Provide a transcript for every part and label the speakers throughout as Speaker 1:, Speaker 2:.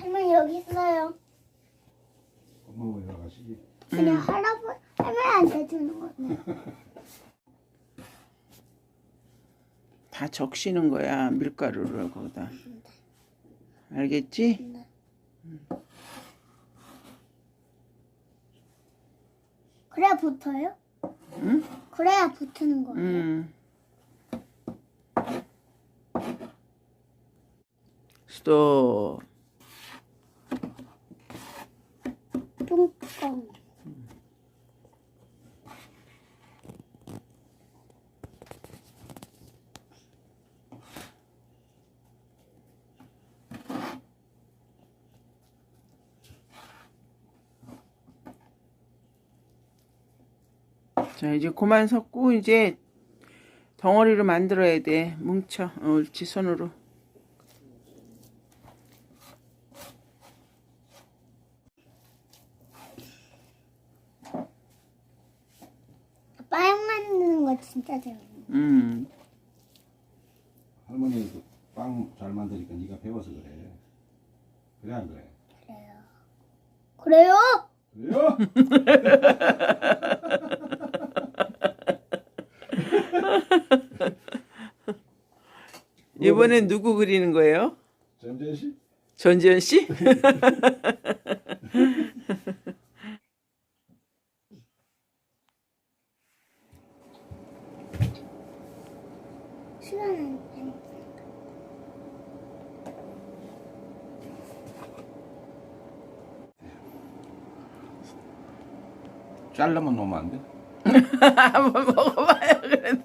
Speaker 1: 할머니 여기 있어요.
Speaker 2: 엄마 왜 나가시지?
Speaker 1: 그냥 할머니한테 주는 거네.
Speaker 3: 다 적시는 거야, 밀가루를 거기다. 알겠지?
Speaker 1: 네. 그래야 붙어요?
Speaker 3: 응?
Speaker 1: 그래야 붙는 거예요.
Speaker 3: 스톱.
Speaker 1: 뚱껑.
Speaker 3: 자, 이제 그만 섞고 이제 덩어리로 만들어야 돼. 뭉쳐. 옳지, 손으로.
Speaker 1: 빵 만드는 거 진짜 재밌네.
Speaker 2: 할머니 빵 잘 만드니까 네가 배워서 그래. 그래 안 그래?
Speaker 1: 그래요?
Speaker 2: 그래요?
Speaker 3: 이번엔 누구 그리는 거예요?
Speaker 2: 전재현 씨?
Speaker 3: 전지현 씨?
Speaker 1: 시간은
Speaker 2: 잘라만 놓으면 안 돼?
Speaker 3: 한번 먹어봐요, 그래도.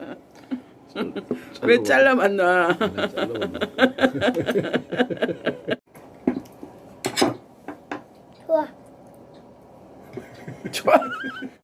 Speaker 3: 왜 잘라만 놔?
Speaker 2: 잘라만 놓
Speaker 1: 좋아.
Speaker 3: 좋아.